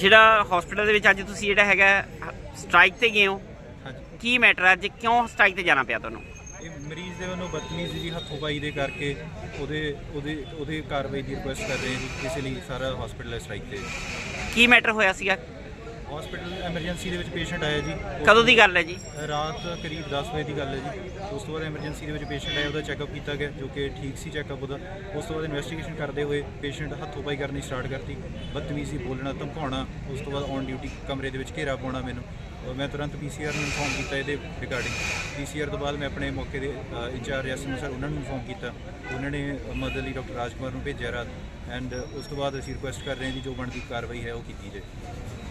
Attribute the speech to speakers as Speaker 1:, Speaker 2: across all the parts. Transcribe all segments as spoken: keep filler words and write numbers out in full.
Speaker 1: ਜਿਹੜਾ ਹਸਪੀਟਲ ਦੇ ਵਿੱਚ ਅੱਜ ਤੁਸੀਂ ਜਿਹੜਾ ਹੈਗਾ ਸਟ੍ਰਾਈਕ ਤੇ ਗਏ ਹੋ, ਕੀ ਮੈਟਰ ਅੱਜ ਕਿਉਂ ਸਟ੍ਰਾਈਕ ਤੇ ਜਾਣਾ ਪਿਆ ਤੁਹਾਨੂੰ?
Speaker 2: ਇਹ ਮਰੀਜ਼ ਦੇ ਵੱਲੋਂ ਬਦਤਮੀਜ਼ੀ ਜੀ ਹੱਥੋਂ ਪਾਈ ਦੇ ਕਰਕੇ ਉਹਦੇ ਉਹਦੇ ਉਹਦੇ ਕਾਰਵਾਈ ਦੀ ਰਿਕੁਐਸਟ ਕਰ ਰਹੇ ਜੀ। ਇਸ ਲਈ ਸਾਰਾ ਹਸਪੀਟਲ ਸਟ੍ਰਾਈਕ ਤੇ।
Speaker 1: ਕੀ ਮੈਟਰ ਹੋਇਆ ਸੀਗਾ?
Speaker 2: ਹਸਪੀਟਲ ਐਮਰਜੈਂਸੀ ਦੇ ਵਿੱਚ ਪੇਸ਼ੈਂਟ ਆਇਆ ਜੀ।
Speaker 1: ਕਦੋਂ ਦੀ ਗੱਲ ਹੈ ਜੀ?
Speaker 2: ਰਾਤ ਕਰੀਬ ਦਸ ਵਜੇ ਦੀ ਗੱਲ ਹੈ ਜੀ। ਉਸ ਤੋਂ ਬਾਅਦ ਐਮਰਜੈਂਸੀ ਦੇ ਵਿੱਚ ਪੇਸ਼ੈਂਟ ਆਇਆ, ਉਹਦਾ ਚੈੱਕਅਪ ਕੀਤਾ ਗਿਆ ਜੋ ਕਿ ਠੀਕ ਸੀ ਚੈੱਕਅਪ ਉਹਦਾ। ਉਸ ਤੋਂ ਬਾਅਦ ਇਨਵੈਸਟੀਗੇਸ਼ਨ ਕਰਦੇ ਹੋਏ ਪੇਸ਼ੈਂਟ ਹੱਥੋਂ ਪਾਈ ਕਰਨੀ ਸਟਾਰਟ ਕਰਤੀ, ਬਦਤਮੀਜ਼ੀ ਬੋਲਣਾ, ਧਮਕਾਉਣਾ। ਉਸ ਤੋਂ ਬਾਅਦ ਔਨ ਡਿਊਟੀ ਕਮਰੇ ਦੇ ਵਿੱਚ ਘੇਰਾ ਪਾਉਣਾ ਮੈਨੂੰ। ਮੈਂ ਤੁਰੰਤ ਪੀ ਸੀ ਆਰ ਨੂੰ ਇਨਫੋਰਮ ਕੀਤਾ ਇਹਦੇ ਰਿਗਾਰਡਿੰਗ। ਪੀ ਸੀ ਆਰ ਤੋਂ ਬਾਅਦ ਮੈਂ ਆਪਣੇ ਮੌਕੇ ਦੇ ਇੰਚਾਰਜ ਐਸ ਐਮ ਸਰ ਉਹਨਾਂ ਨੂੰ ਇਨਫੋਰਮ ਕੀਤਾ। ਉਹਨਾਂ ਨੇ ਮਦਦ ਲਈ ਡਾਕਟਰ ਰਾਜ ਕੁਮਾਰ ਨੂੰ ਭੇਜਿਆ ਰਾਤ। ਐਂਡ ਉਸ ਤੋਂ ਬਾਅਦ ਅਸੀਂ ਰਿਕੁਐਸਟ ਕਰ ਰਹੇ ਹਾਂ ਜੀ ਜੋ ਬਣਦੀ ਕਾਰਵਾਈ ਹੈ ਉਹ ਕੀਤੀ ਜਾਏ।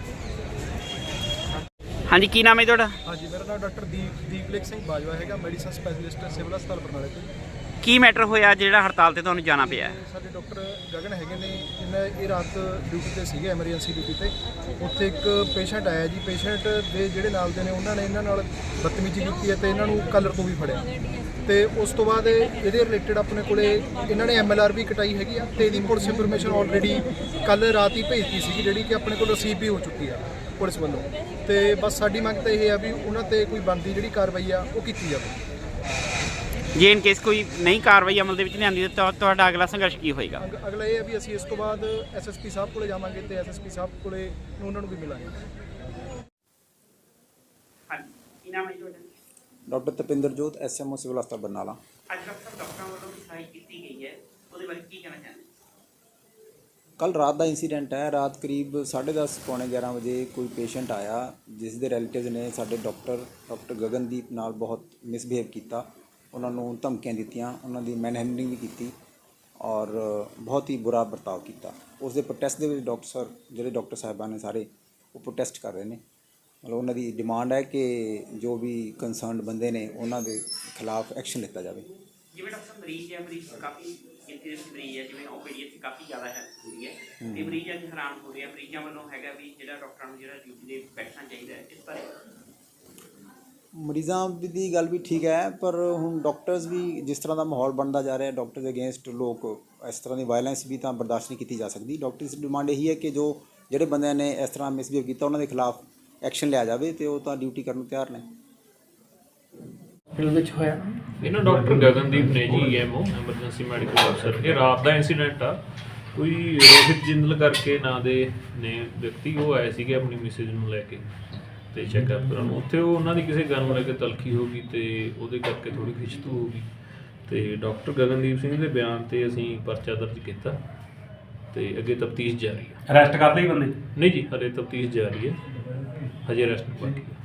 Speaker 1: ਹਾਂਜੀ, ਕੀ ਨਾਮ ਹੈ ਤੁਹਾਡਾ?
Speaker 3: ਹਾਂਜੀ, ਮੇਰਾ ਨਾਮ ਡਾਕਟਰ ਦੀਪ ਦੀਪਲੇਖ ਸਿੰਘ ਬਾਜਵਾ ਹੈਗਾ, ਮੈਡੀਸਨ ਸਪੈਸ਼ਲਿਸਟ ਸਿਵਲ ਹਸਪਤਾਲ ਬਰਨਾਲੇ ਤੋਂ।
Speaker 1: ਕੀ ਮੈਟਰ ਹੋਇਆ ਜਿਹੜਾ ਹੜਤਾਲ ਤੇ ਤੁਹਾਨੂੰ ਜਾਣਾ ਪਿਆ?
Speaker 3: ਸਾਡੇ ਡਾਕਟਰ ਗਗਨ ਹੈਗੇ ਨੇ, ਇਹਨਾਂ ਇਹ ਰਾਤ ਡਿਊਟੀ ਤੇ ਸੀਗੇ, ਐਮਰਜੈਂਸੀ ਡਿਊਟੀ ਤੇ। ਉੱਥੇ ਇੱਕ ਪੇਸ਼ੈਂਟ ਆਇਆ ਜੀ। ਪੇਸ਼ੈਂਟ ਦੇ ਜਿਹੜੇ ਨਾਲ ਦੇ ਨੇ ਉਹਨਾਂ ਨੇ ਇਹਨਾਂ ਨਾਲ ਬਦਤਮੀਜ਼ੀ ਕੀਤੀ ਹੈ ਤੇ ਇਹਨਾਂ ਨੂੰ ਕਲਰ ਤੋਂ ਵੀ ਫੜਿਆ। ਤੇ ਉਸ ਤੋਂ ਬਾਅਦ ਇਹਦੇ ਰਿਲੇਟਡ ਆਪਣੇ ਕੋਲੇ ਇਹਨਾਂ ਨੇ ਐਮ ਐਲ ਆਰ ਵੀ ਕਟਾਈ ਹੈਗੀ ਆ ਤੇ ਇਹਦੀ ਪੁਲਿਸ ਇਨਫੋਰਮੇਸ਼ਨ ਆਲਰੇਡੀ ਕੱਲ੍ਹ ਰਾਤ ਹੀ ਭੇਜਤੀ ਸੀਗੀ, ਜਿਹੜੀ ਕਿ ਆਪਣੇ ਕੋਲ ਰਿਸੀਵ ਵੀ ਹੋ ਚੁੱਕੀ ਆ ਪੁਲਿਸ ਵੱਲੋਂ। ਤੇ ਬਸ ਸਾਡੀ ਮੰਗ ਤਾਂ ਇਹ ਆ ਵੀ ਉਹਨਾਂ ਤੇ ਕੋਈ ਬਣਦੀ ਜਿਹੜੀ ਕਾਰਵਾਈ ਆ ਉਹ ਕੀਤੀ ਜਾਵੇ।
Speaker 1: ਜੇ ਇਨ ਕੇਸ ਕੋਈ ਨਹੀਂ ਕਾਰਵਾਈ ਅਮਲ ਦੇ ਵਿੱਚ ਲਿਆਂਦੀ ਤਾਂ ਤੁਹਾਡਾ ਅਗਲਾ ਸੰਘਰਸ਼ ਕੀ ਹੋਏਗਾ?
Speaker 3: ਅਗਲਾ ਇਹ ਹੈ ਵੀ ਅਸੀਂ ਇਸ ਤੋਂ ਬਾਅਦ ਐਸ ਐਸ ਪੀ ਸਾਹਿਬ ਕੋਲੇ ਜਾਵਾਂਗੇ ਤੇ ਐਸ ਐਸ ਪੀ ਸਾਹਿਬ ਕੋਲੇ ਉਹਨਾਂ ਨੂੰ ਵੀ ਮਿਲਾਂਗੇ।
Speaker 1: ਹਾਂਜੀ, ਕੀ ਨਾਮ ਹੈ ਤੁਹਾਡਾ?
Speaker 4: Doctor Tapinderjot, S M O civil ਹਸਪਤਾਲ ਬਰਨਾਲਾ।
Speaker 1: ਅੱਜ ਡਾਕਟਰ ਡਾਕਟਰਾਂ ਵੱਲੋਂ ਸਟ੍ਰਾਈਕ ਕੀਤੀ ਗਈ ਹੈ, ਉਹਦੇ ਬਾਰੇ ਕੀ ਕਹਿਣਾ ਚਾਹੁੰਦੇ?
Speaker 4: ਕੱਲ੍ਹ ਰਾਤ ਦਾ ਇੰਸੀਡੈਂਟ ਹੈ। ਰਾਤ ਕਰੀਬ ਸਾਢੇ ਦਸ ਪੌਣੇ ਗਿਆਰਾਂ ਵਜੇ ਕੋਈ ਪੇਸ਼ੈਂਟ ਆਇਆ ਜਿਸ ਦੇ ਰਿਲੇਟਿਵ ਨੇ ਸਾਡੇ ਡਾਕਟਰ ਡਾਕਟਰ ਗਗਨਦੀਪ ਨਾਲ ਬਹੁਤ ਮਿਸਬਿਹੇਵ ਕੀਤਾ। ਉਹਨਾਂ ਨੂੰ ਧਮਕੀਆਂ ਦਿੱਤੀਆਂ, ਉਹਨਾਂ ਦੀ ਮੈਨਹੈਂਡਲਿੰਗ ਵੀ ਕੀਤੀ ਔਰ ਬਹੁਤ ਹੀ ਬੁਰਾ ਵਰਤਾਓ ਕੀਤਾ। ਉਸ ਦੇ ਪ੍ਰੋਟੈਸਟ ਦੇ ਵਿੱਚ ਡਾਕਟਰ ਸਰ ਜਿਹੜੇ ਡਾਕਟਰ ਸਾਹਿਬਾਨ ਨੇ ਸਾਰੇ ਉਹ ਪ੍ਰੋਟੈਸਟ ਕਰ ਰਹੇ ਨੇ। ਮਤਲਬ ਉਹਨਾਂ ਦੀ ਡਿਮਾਂਡ ਹੈ ਕਿ ਜੋ ਵੀ ਕੰਸਰਨਡ ਬੰਦੇ ਨੇ ਉਹਨਾਂ ਦੇ ਖਿਲਾਫ ਐਕਸ਼ਨ ਲਿੱਤਾ ਜਾਵੇ।
Speaker 1: ਜਿਵੇਂ ਡਾਕਟਰ ਮਰੀਜ਼ ਹੈ, ਮਰੀਜ਼ ਕਾਫੀ ਗਿਣਤੀ ਦੇ ਮਰੀਜ਼ ਹੈ, ਜਿਵੇਂ ਓ ਪੀ ਡੀ ਇੱਥੇ ਕਾਫੀ ਜ਼ਿਆਦਾ ਹੈ ਹੁੰਦੀ ਹੈ ਤੇ ਮਰੀਜ਼ ਅੱਜ ਹੈਰਾਨ ਹੋ ਰਿਹਾ। ਮਰੀਜ਼ਾਂ ਵੱਲੋਂ ਹੈਗਾ ਵੀ ਜਿਹੜਾ ਡਾਕਟਰਾਂ ਨੂੰ ਜਿਹੜਾ ਡਿਊਟੀ ਦੇ ਬੈਠਣਾ ਚਾਹੀਦਾ ਹੈ, ਇਸ ਬਾਰੇ?
Speaker 4: ਮਰੀਜ਼ਾਂ ਦੀ ਗੱਲ ਵੀ ਠੀਕ ਹੈ, ਪਰ ਹੁਣ ਡਾਕਟਰਸ ਵੀ ਜਿਸ ਤਰ੍ਹਾਂ ਦਾ ਮਾਹੌਲ ਬਣਦਾ ਜਾ ਰਿਹਾ, ਡਾਕਟਰ ਦੇ ਅਗੇਂਸਟ ਲੋਕ ਇਸ ਤਰ੍ਹਾਂ ਦੀ ਵਾਇਲੈਂਸ ਵੀ ਤਾਂ ਬਰਦਾਸ਼ਤ ਨਹੀਂ ਕੀਤੀ ਜਾ ਸਕਦੀ। ਡਾਕਟਰਸ ਦੀ ਡਿਮਾਂਡ ਇਹੀ ਹੈ ਕਿ ਜੋ ਜਿਹੜੇ ਬੰਦਿਆਂ ਨੇ ਇਸ ਤਰ੍ਹਾਂ ਮਿਸਬਿਹੇਵ ਕੀਤਾ ਉਹਨਾਂ ਦੇ ਖਿਲਾਫ ਐਕਸ਼ਨ ਲਿਆ ਜਾਵੇ ਤੇ ਉਹ ਤਾਂ ਡਿਊਟੀ ਕਰਨ ਨੂੰ ਤਿਆਰ ਨੇ।
Speaker 1: ਵਿੱਚ ਹੋਇਆ
Speaker 5: ਇਹਨਾਂ ਡਾਕਟਰ ਗਗਨਦੀਪ ਨੇ ਜੀ ਐਮ ਓ ਐਮਰਜੈਂਸੀ ਮੈਡੀਕਲ ਅਫਸਰ। ਇਹ ਰਾਤ ਦਾ ਇੰਸੀਡੈਂਟ ਆ। ਕੋਈ ਰੋਹਿਤ ਜਿੰਦਲ ਕਰਕੇ ਨਾਂ ਦੇ ਨੇ ਵਿਅਕਤੀ ਉਹ ਆਏ ਸੀਗੇ ਆਪਣੀ ਮਿਸਿਜ ਨੂੰ ਲੈ ਕੇ ਤੇ ਚੈੱਕਅਪ ਕਰਾਉਣ। ਉੱਥੇ ਉਹ ਉਹਨਾਂ ਦੀ ਕਿਸੇ ਗੱਲ ਨੂੰ ਲੈ ਕੇ ਤਲਖੀ ਹੋ ਗਈ ਤੇ ਉਹਦੇ ਕਰਕੇ ਥੋੜ੍ਹੀ ਖਿੱਚਤੂ ਹੋ ਗਈ ਤੇ ਡਾਕਟਰ ਗਗਨਦੀਪ ਸਿੰਘ ਦੇ ਬਿਆਨ ਤੇ ਅਸੀਂ ਪਰਚਾ ਦਰਜ ਕੀਤਾ ਤੇ ਅੱਗੇ ਤਫਤੀਸ਼ ਜਾਰੀ ਹੈ।
Speaker 6: ਅਰੈਸਟ ਕਰ ਲਈ ਬੰਦੇ?
Speaker 5: ਨਹੀਂ ਜੀ, ਹਲੇ ਤਫਤੀਸ਼ ਜਾਰੀ ਹੈ, ਹਜੇ ਅਰੈਸਟ ਨਹੀਂ ਬਾਕੀ।